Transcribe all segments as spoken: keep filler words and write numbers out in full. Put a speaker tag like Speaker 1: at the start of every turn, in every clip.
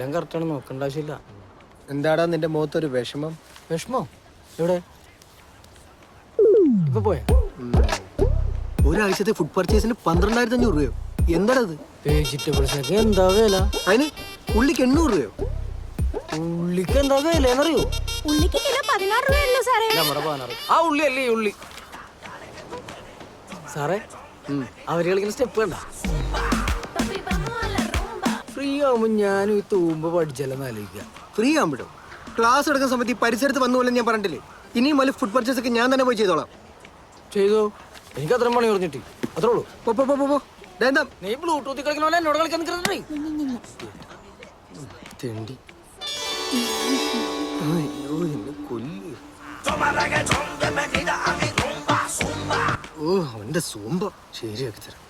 Speaker 1: എല്ലാം കറക്റ്റാണ്, നോക്കേണ്ട ആവശ്യമില്ല.
Speaker 2: എന്താടാ നിന്റെ മുഖത്തൊരു വിഷമം?
Speaker 1: വിഷമോ? എവിടെ? ഇപ്പൊ പോയാ?
Speaker 2: ഒരാഴ്ചത്തെ ഫുഡ് പർച്ചേസിന് പന്ത്രണ്ടായിരത്തി അഞ്ഞൂറ് രൂപയോ? എന്താണത്?
Speaker 1: വെജിറ്റബിൾസിനൊക്കെ എന്താ വില?
Speaker 2: അതിന് ഉള്ളിക്ക് എണ്ണൂറ് രൂപയോ?
Speaker 1: ഉള്ളിക്ക് എന്താ വിലയെന്നറിയോ?
Speaker 3: ഉള്ളിക്ക് കിലോ പതിനാറ് രൂപയല്ലോ സാറേ.
Speaker 1: നമ്മുടെ പതിനാറ്. ആ ഉള്ളി അല്ലേ ഈ ഉള്ളി? സാറേ അവര് കളിക്കുന്ന സ്റ്റെപ്പ് കണ്ട? ഫ്രീ ആവുമ്പോ ഞാനും ഈ തൂമ്പ് പഠിച്ചല്ലെന്ന് ആലോചിക്കാം.
Speaker 2: ഫ്രീ ആകുമ്പോഴോ? ക്ലാസ് എടുക്കുന്ന സമയത്ത് ഈ പരിസരത്ത് വന്നു പോലെ ഞാൻ പറഞ്ഞില്ലേ, ഇനിയും വലിയ ഫുഡ് പർച്ചേസ് ഒക്കെ ഞാൻ തന്നെ പോയി ചെയ്തോളാം.
Speaker 1: ചെയ്തോ, എനിക്ക് അത്രയും പണി പറഞ്ഞിട്ട് അത്രേ ഉള്ളൂ.
Speaker 2: പോ പോ പോ പോ. എന്താ
Speaker 1: നീ ബ്ലൂടൂത്തിൽ കളിക്കണ പോലെ എന്നോട് കളിക്കാൻ നിൽക്കുന്നുണ്ടേ.
Speaker 2: തെണ്ടി. അയ്യോ എന്നെ കൊല്ല്. ഓ അവന്റെ സൂമ്പ ശരിയാക്കി തരാം.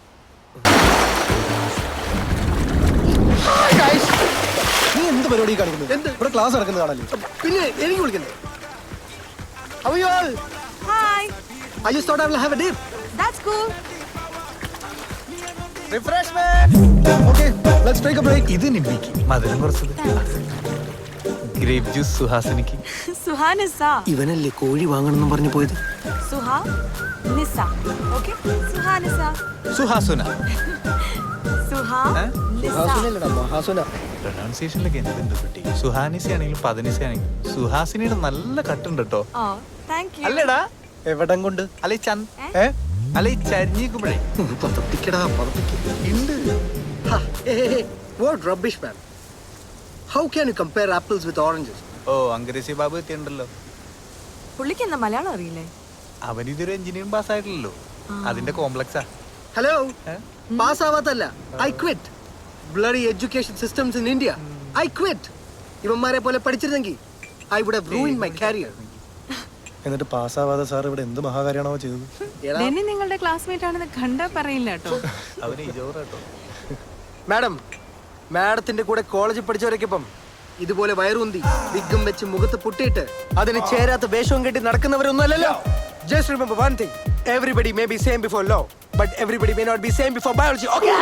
Speaker 4: നീ എന്ത് പരിപാടി കാണിക്കുന്നത്? എന്ത് ഇവിടെ ക്ലാസ് നടക്കുന്നത് കാണല്ലേ?
Speaker 2: പിന്നെ എനിക്ക് വിളിക്കണ്ടേ? അയ്യോ
Speaker 3: hi.
Speaker 2: I just thought I will have a dip.
Speaker 3: That's cool.
Speaker 4: Refreshment. Okay, let's take a break.
Speaker 5: ഇത് നിമ്മിക്ക് മധുരം കുറച്ചത്. Grape juice സുഹാസിനിക്ക്.
Speaker 3: സുഹാനിസ.
Speaker 2: ഇവനല്ലേ കോഴി വാങ്ങണമെന്ന് പറഞ്ഞു പോയത്?
Speaker 3: സുഹാ നിസ. Okay? സുഹാനിസ.
Speaker 5: സുഹാസുന.
Speaker 3: സുഹാ നിസ.
Speaker 2: മഹാസുനല്ലടാ മഹാസുന.
Speaker 5: പ്രൊനൗൺസിയേഷനിലൊക്കെ എന്തുണ്ട് കുട്ടി? സുഹാനിസ ആണെങ്കിലും പതിനിസ ആണെങ്കിലും സുഹാസിനിയുടെ നല്ല കട്ടുണ്ട് കേട്ടോ.
Speaker 3: Oh, thank you.
Speaker 5: അല്ലേടാ?
Speaker 4: എവിടം കൊണ്ട്?
Speaker 5: അല്ല ഈ ചന്ത
Speaker 4: ഏ
Speaker 5: അല്ല ഈ ചരിഞ്ഞിക്കുമ്പോഴേ
Speaker 2: പതപ്പിക്കടാ പതപ്പിക്ക.
Speaker 5: ഉണ്ട്.
Speaker 2: Ha, hey, hey, hey. What rubbish, man. How can you compare apples with oranges?
Speaker 5: ഓ അങ്കരേശി ബാബു എത്തിയുണ്ടല്ലോ.
Speaker 3: പുള്ളിക്ക് എന്താ മലയാളം അറിയില്ലേ?
Speaker 5: അവൻ ഇതൊരു എഞ്ചിനീയറിംഗ് പാസ് ആയിട്ടില്ലല്ലോ, അതിന്റെ കോംപ്ലക്സാ.
Speaker 2: Hello? Pass ആവാത്തല്ല. I quit. Bloody education systems in India. I quit. ഇവന്മാരെ പോലെ പഠിച്ചിരുന്നെങ്കിൽ I would have ruined my career.
Speaker 4: എന്നിട്ട് പാസ്സാവാതെ സാർ ഇവിടെ എന്ത് മഹാകാര്യാണോ ചെയ്തത്?
Speaker 3: ഡെന്നി നിങ്ങളുടെ ക്ലാസ്മേറ്റ് ആണെന്ന് കണ്ടാ പറയില്ല കേട്ടോ.
Speaker 5: അവന് ഇജോറാട്ടോ.
Speaker 2: മാഡം, മാഡത്തിന്റെ കൂടെ കോളേജിൽ പഠിച്ചവരൊക്കെ ഇപ്പം ഇതുപോലെ വയറുന്തി വിഗ്ഗും വെച്ച് മുഖത്ത് പൊട്ടിയിട്ട് അതിന് ചേരാത്ത വേഷവും കെട്ടി നടക്കുന്നവരൊന്നും അല്ലല്ലോ. Just remember one thing. Everybody may be same before law, but everybody may not be same before biology. Okay?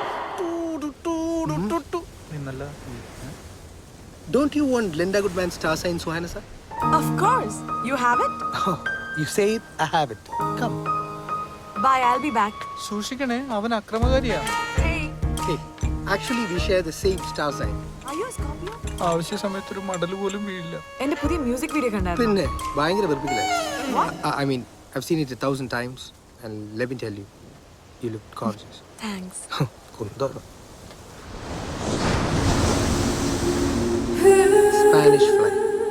Speaker 5: നിന്നല്ല.
Speaker 2: Don't you want Linda Goodman's star sign, Suhana sir?
Speaker 3: Of course. You have it?
Speaker 2: Oh, you say it, I have it. Come.
Speaker 3: Bye, I'll be back.
Speaker 5: സൂക്ഷിക്കണേ, അവൻ അക്രമകാരിയാ.
Speaker 3: Hey,
Speaker 2: Hey, actually we share the same star sign.
Speaker 3: are you a Scorpio?
Speaker 5: ആവശ്യ സമയത്ത് ഒരു മടൽ പോലും വീഴില്ല.
Speaker 3: എന്റെ പുതിയ music video കണ്ടായിരുന്നു.
Speaker 2: പിന്നെ ഭയങ്കര വെറുപ്പിക്കലായി. I mean, I've seen it a thousand times and let me tell you, you look gorgeous.
Speaker 3: Thanks.
Speaker 2: കുന്തോളം. Spanish fly.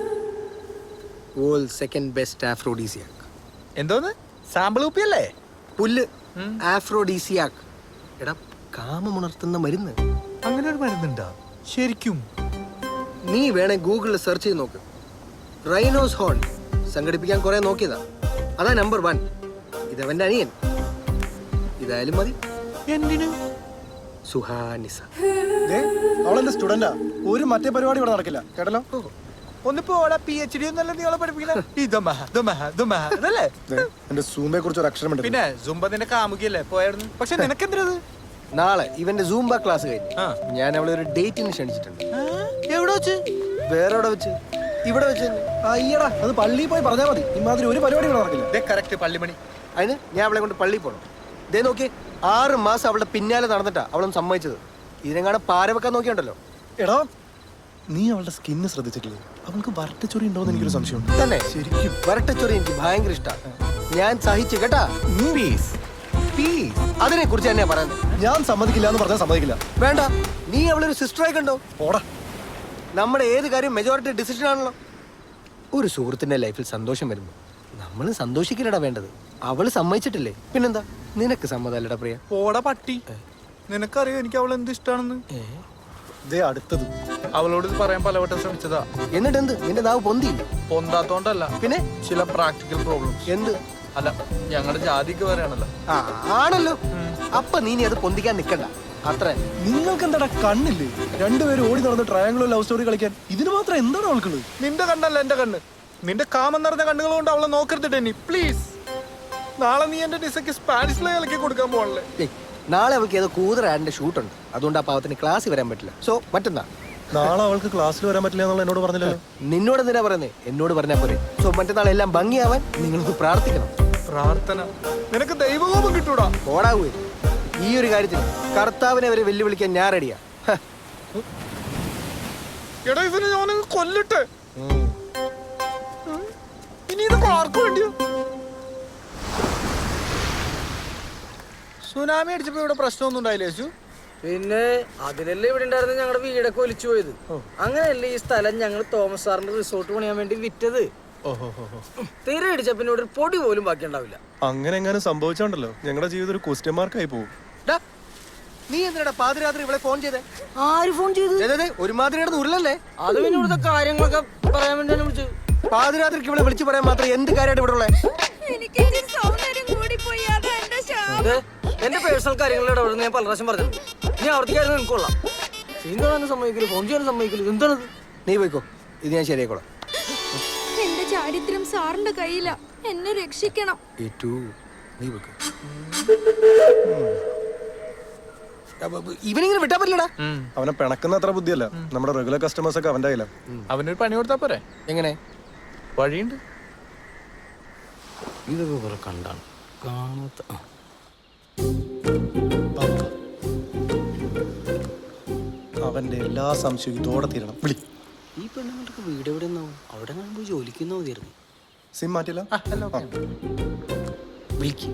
Speaker 2: World's second best aphrodisiac.
Speaker 5: എന്തോന്ന്? സാമ്പിൾ കുപ്പിയല്ലേ?
Speaker 2: പുല്ല്. Aphrodisiac. എടാ കാമമുണർത്തുന്ന മരുന്ന്.
Speaker 5: അങ്ങനെ ഒരു മരുന്നുണ്ടാ ശരിക്കും?
Speaker 2: നീ വേണേ ഗൂഗിളിൽ സെർച്ച് ചെയ്ത് നോക്ക്. റൈനോസ് ഹോൺ സംഘടിപ്പിക്കാൻ കുറെ നോക്കിയതാ. അതാ നമ്പർ വൺ. ഇതവന്റെ അനിയൻ. ഇതായാലും മതി.
Speaker 5: എന്തിന്?
Speaker 2: സുഹാനിസ.
Speaker 4: അവളെന്റെ സ്റ്റുഡന്റാ. ഒരു മറ്റേ പരിപാടി ഇവിടെ നടക്കില്ല കേട്ടല്ലോ.
Speaker 5: ഒന്നിപ്പോ പി എച്ച് ഡി ഒന്നല്ല നീളെ പഠിപ്പിക്കണേ.
Speaker 4: എന്റെ സൂമയെ കുറിച്ച് ഒരു അക്ഷരം
Speaker 5: പിന്നെ സുംബ നിന്റെ കാമുകിയല്ലേ പോയായിരുന്നു. പക്ഷെ നിനക്കെന്തത്?
Speaker 2: നാളെ ഇവന്റെ സൂംബ ക്ലാസ് കഴിഞ്ഞു ഞാൻ അവളെ ഒരു ഡേറ്റിന് ക്ഷണിച്ചിട്ടുണ്ട്.
Speaker 5: എവിടെ വെച്ച്?
Speaker 2: വേറെ എവിടെ വെച്ച്? ഇവിടെ വെച്ച് തന്നെ.
Speaker 4: അയ്യടാ അത് പള്ളിയിൽ പോയി പറഞ്ഞാൽ മതി. ഇമാതിരി ഒരു പരിപാടി ഇവിടെ നടക്കില്ല.
Speaker 5: കറക്റ്റ് പള്ളിമണി.
Speaker 2: അതിന് ഞാൻ അവളെ കൊണ്ട് പള്ളിയിൽ പോകണം. ഇതേ നോക്കി ആറ് മാസം അവളുടെ പിന്നാലെ നടന്നിട്ടാ അവളൊന്ന് സമ്മതിച്ചത്. ഇതിനെങ്ങാണ് പാര വെക്കാൻ നോക്കിയുണ്ടല്ലോ.
Speaker 4: എടാ നീ അവളുടെ സ്കിന്ന് ശ്രദ്ധിച്ചിട്ടില്ലേ? അവൾക്ക് വരട്ടച്ചൊറി ഉണ്ടോന്ന് എനിക്കൊരു സംശയമുണ്ട്.
Speaker 2: തന്നെ ശരിക്കും വരട്ടച്ചൊറി എനിക്ക് ഭയങ്കര ഇഷ്ടമാണ്. ഞാൻ സഹിച്ചു കേട്ടാ.
Speaker 5: പീസ് പീസ്
Speaker 2: അതിനെ കുറിച്ച് തന്നെയാ പറയുന്നത്.
Speaker 4: ഞാൻ സമ്മതിക്കില്ല എന്ന് പറഞ്ഞാൽ സമ്മതിക്കില്ല.
Speaker 2: വേണ്ട, നീ അവളൊരു സിസ്റ്ററായി കണ്ടോ.
Speaker 4: ഓടാ.
Speaker 2: നമ്മുടെ ഏത് കാര്യം മെജോറിറ്റി ഡിസിഷൻ ആണല്ലോ. ഒരു സുഹൃത്തിന്റെ ലൈഫിൽ സന്തോഷം വരുന്നു, നമ്മൾ സന്തോഷിക്കില്ലടാ വേണ്ടത്. അവള് സമ്മതിച്ചിട്ടില്ലേ, പിന്നെന്താ? നിനക്ക് സമ്മതല്ലടാ പ്രിയ.
Speaker 5: പോടാ പട്ടി. നിനക്കറിയോ എനിക്ക് അവൾ എന്ത് ഇഷ്ടാണെന്ന്?
Speaker 4: ദേ അടുത്തത്.
Speaker 5: അവളോട് ഇത് പറയാൻ പലവട്ടം ശ്രമിച്ചതാ.
Speaker 2: എന്നിട്ട് എന്ത്? നിന്റെ നാവ് പൊന്തിയില്ല?
Speaker 5: പൊന്താത്തോണ്ടല്ല,
Speaker 2: പിന്നെ
Speaker 5: ചില പ്രാക്ടിക്കൽ പ്രോബ്ലംസ്.
Speaker 2: എന്ത്?
Speaker 5: അല്ല, ഞങ്ങളുടെ ജാതിക്ക് പറയാണല്ലോ.
Speaker 2: ആ ആണല്ലോ. അപ്പൊ നീ അത് പൊന്തിക്കാൻ നിക്കണ്ട. അത്ര
Speaker 4: നിങ്ങൾക്ക് എന്താടാ കണ്ണില്ലേ? രണ്ടുപേരും ഓടി നടന്ന് ട്രയാങ്കിളോ ലവ് സ്റ്റോറി കളിക്കാൻ. ഇതിന് മാത്രം എന്താണ് അവൾക്കുള്ളത്?
Speaker 5: നിന്റെ കണ്ണല്ല എന്റെ കണ്ണ്. നിന്റെ കാമം നിറഞ്ഞ കണ്ണുകൾ കൊണ്ട് അവളെ നോക്കരുത് നീ പ്ലീസ്. നാളെ നീ എന്റെ ഡിസക്ക് സ്പാനിഷിലെ കളിക്ക് കൊടുക്കാൻ പോകണല്ലേ?
Speaker 2: നാളെ അവൾക്ക് ഏതോ കൂതറ ആഡിന്റെ ഷൂട്ടുണ്ട്. അതുകൊണ്ട് ആ പാവത്തിന് ക്ലാസ്സിൽ വരാൻ പറ്റില്ല. സോ മറ്റന്നാ
Speaker 4: നാളെ അവൾക്ക് ക്ലാസ്സിൽ വരാൻ പറ്റില്ല എന്നുള്ള എന്നോട് പറഞ്ഞില്ലല്ലോ.
Speaker 2: നിന്നോട് എന്തിനാ പറയുന്നേ? എന്നോട് പറഞ്ഞാ പോലെ. സോ മറ്റന്നാൾ എല്ലാം ഭംഗിയാവാൻ നിങ്ങൾക്ക് പ്രാർത്ഥിക്കണം.
Speaker 5: പ്രാർത്ഥന നിനക്ക് ദൈവകോപം കിട്ടൂടാ.
Speaker 2: ഓടാവൂ. ഈ ഒരു കാര്യത്തിൽ കർത്താവിനെ വരെ വെല്ലുവിളിക്കാൻ ഞാൻ റെഡിയാ.
Speaker 5: എടാ ഇവനെ ഞാനങ്ങ് കൊല്ലട്ടെ. ഇനി ഇത് ആർക്കു വേണ്ടിയോ? സുനാമി അടിച്ചപ്പോ ഇവിടെ പ്രശ്നമൊന്നും ഉണ്ടായില്ലേ യേശു?
Speaker 1: പിന്നെ അതിലല്ലേ ഇവിടെ ഉണ്ടായിരുന്ന ഞങ്ങളുടെ വീടൊക്കെ ഒലിച്ചു പോയത്. അങ്ങനെയല്ലേ ഈ സ്ഥലം ഞങ്ങൾ തോമസ് സാറിന്റെ റിസോർട്ട് പണിയാൻ വേണ്ടി വിറ്റത്. തീരെ അടിച്ച പിന്നെ ഇവിടെ ഒരു പൊടി പോലും ബാക്കി ഉണ്ടാവില്ല.
Speaker 4: അങ്ങനെ എങ്ങനെ സംഭവിച്ചോണ്ടല്ലോ ഞങ്ങളുടെ ജീവിതം ഒരു ക്വസ്റ്റ്യൻ മാർക്കായി പോകും.
Speaker 2: ഡാ, നീ എന്തിനാ പാതിരാത്രി ഇവിടെ ഫോൺ ചെയ്തേ?
Speaker 1: ആര് ഫോൺ ചെയ്തു?
Speaker 2: ദേ, ദേ, ദേ, ഒരുമാതിരി കിടന്ന് ഉരുളല്ലേ?
Speaker 1: അത് പിന്നെ ഇവിടുത്തെ കാര്യങ്ങളൊക്കെ പറയാൻ വേണ്ടിയാണ് വിളിച്ചത്.
Speaker 2: പാതിരാത്രിക്ക് ഇവിടെ വിളിച്ചു പറയാൻ മാത്രം എന്ത് കാര്യമായിട്ട് ഇവിടെ ഉള്ളേ?
Speaker 1: ഇത് എന്റെ പേഴ്സണൽ കാര്യങ്ങളിൽ ഇടപെടുന്ന ഞാൻ പല പ്രാവശ്യം പറഞ്ഞു. നീ ആവർത്തിക്കായിരുന്നു എനിക്ക് കൊള്ളാം. സീൻ കാണാനും സമ്മതിക്കില്ല, ഫോൺ ചെയ്യാനും സമ്മതിക്കില്ല. എന്താണത്?
Speaker 2: നീ പോയിക്കോ, ഇത് ഞാൻ ശരിയായിക്കോളാം.
Speaker 6: എന്റെ ചാരിത്രം സാറിന്റെ കയ്യില, എന്നെ രക്ഷിക്കണം.
Speaker 2: ഏറ്റു, നീ പോയിക്കോ. ഇവനിങ്ങനെ വിട്ടാ പറ്റില്ലടാ.
Speaker 4: അവനെ പിണക്കുന്ന അത്ര ബുദ്ധിയല്ല. നമ്മുടെ റെഗുലർ കസ്റ്റമേഴ്സ് ഒക്കെ അവന്റെ കയ്യിലാണ്.
Speaker 5: അവനൊരു പണി കൊടുത്താ പോരെ?
Speaker 2: എങ്ങനെ?
Speaker 5: വഴിയുണ്ട്.
Speaker 1: ഇതൊക്കെ കുറെ കണ്ടാണ് കാണാത്ത.
Speaker 4: അവന്റെ എല്ലാ സംശയവും ഇതോടെ തീരണം. വിളി.
Speaker 1: ഈ പെണ്ണുങ്ങൾക്ക് വീട് എവിടെ നിന്നാവും? അവിടെ പോയി ജോലിക്കുന്ന മതിയായിരുന്നു.
Speaker 4: സിം മാറ്റില്ല.
Speaker 1: വിളിക്ക്.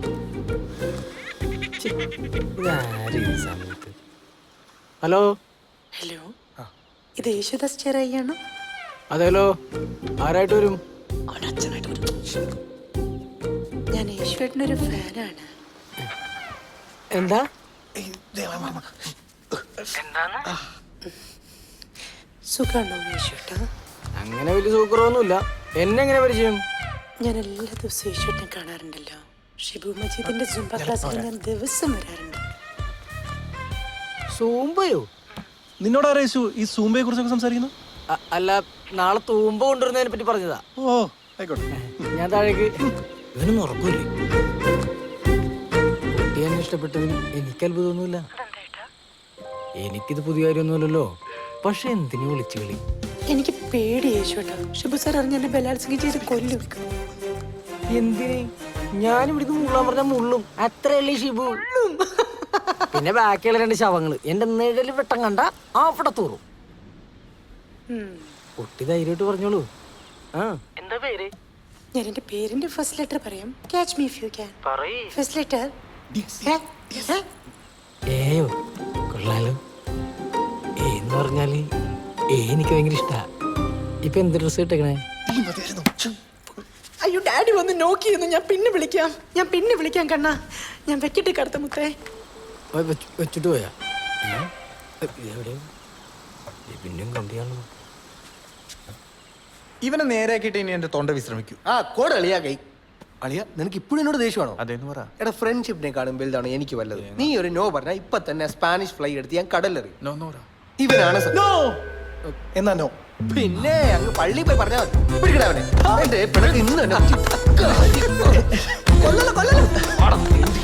Speaker 1: ഇതാര് ഈ സമയത്ത്? ഹലോ.
Speaker 7: ഹലോ, ഇത് യേശുദാസ് ചെറിയാണോ?
Speaker 1: അതേലോ, ആരായിട്ട് വരും?
Speaker 7: അവൻ അച്ഛനായിട്ട് വരും. ഞാൻ യേശുവേട്ടൻ്റെ ഒരു ഫാനാണ്.
Speaker 1: എന്താ?
Speaker 7: സുഖാണോ യേശുവേട്ടാ?
Speaker 1: അങ്ങനെ വലിയ സൂക്കറൊന്നുമില്ല. എന്നെ എങ്ങനെ പരിചയം?
Speaker 7: ഞാൻ എല്ലാ ദിവസവും യേശുവേട്ടനെ കാണാറുണ്ടല്ലോ. ഷിബു മജീദിന്റെ ജുംബ ക്ലാസ്സിൽ ഞാൻ ദിവസം വരാറുണ്ട്.
Speaker 1: സൂമ്പയോ?
Speaker 4: നിന്നോട് ആരാ യേശു ഈ സൂമ്പയെ കുറിച്ചൊക്കെ സംസാരിക്കുന്നു?
Speaker 1: അ- അല്ല, നാളെ തൂമ്പ കൊണ്ടുവരുന്നതിനെ പറ്റി പറഞ്ഞതാ.
Speaker 4: ഓ ആയിക്കോട്ടെ.
Speaker 1: ഞാൻ താഴേക്ക്. ഇവനൊന്നും ഉറക്കൂല്ലേ? കുട്ടി എന്നെ ഇഷ്ടപ്പെട്ടതിൽ എനിക്ക് അത്ഭുതമൊന്നുമില്ല. എനിക്കിത് പുതിയ കാര്യമൊന്നുമല്ലല്ലോ. പക്ഷെ എന്തിനു വിളിച്ചു കളി?
Speaker 7: എനിക്ക് പേടി യേശുവേട്ടാ. ഷിബു സാർ അറിഞ്ഞ എന്നെ ബലാത്സംഗം ചെയ്ത് കൊല്ലും.
Speaker 1: എന്തിന്? ഞാൻ ഇവിടുന്ന് മുള്ളാൻ പറഞ്ഞ മുള്ളും. അത്രയല്ലേ ഷിബു? പിന്നെ ബാക്കിയുള്ള രണ്ട് ശവങ്ങള് എന്റെ നിഴല് വെട്ടം കണ്ട അവിടെ തൂറും. കുട്ടി ധൈര്യമായിട്ട് പറഞ്ഞോളൂ. ആ എന്താ പേര്?
Speaker 7: ഞാൻ എന്റെ പേരിന്റെ ഫസ്റ്റ് ലെറ്റർ പറയാം. Catch me if you can. First letter
Speaker 1: ഏയോ. കൊള്ളാലോ. ഏ എന്ന് പറഞ്ഞാല് ഏ എനിക്ക് ഭയങ്കര ഇഷ്ടാ. ഇപ്പൊ എന്ത് ഡ്രസ് ഇട്ടേക്കണേ?
Speaker 7: അയ്യോ, ഡാഡി വന്ന് നോക്കിയിരുന്നു. ഞാൻ പിന്നെ വിളിക്കാം, ഞാൻ പിന്നെ വിളിക്കാം കണ്ണാ. ഞാൻ വെക്കിട്ട് കടത്ത മുത്തേ.
Speaker 1: വെച്ചിട്ട് പോയാ? എവിടെയോ പിന്നെയും കണ്ടിയാണോ?
Speaker 5: ഇവനെ നേരെയാക്കിയിട്ട് ഇനി എന്റെ തൊണ്ട വിശ്രമിക്കൂ.
Speaker 2: ആ കോട് അളിയാ കൈ. അളിയ, നിനക്ക് ഇപ്പോഴും എന്നോട് ദേഷ്യമാണോ?
Speaker 5: അതേന്ന് പറ.
Speaker 2: എടാ, ഫ്രണ്ട്ഷിപ്പിനെ കാണും വലുതാണ് എനിക്ക് വല്ലത്. നീ ഒരു നോ പറഞ്ഞാൽ ഇപ്പൊ തന്നെ സ്പാനിഷ് ഫ്ലൈ എടുത്ത് ഞാൻ കടലെറി.
Speaker 5: നോ നോ പറ.
Speaker 2: ഇവനാണ് സ-
Speaker 4: എന്നാ നോ.
Speaker 2: പിന്നെ അങ്ങ് പള്ളിയിൽ പോയി പറഞ്ഞാൽ മതി. പിടിക്കടാ അവനെ. എന്റെ പിണക്ക് ഇന്ന് തന്നെ കൊല്ലല കൊല്ലല.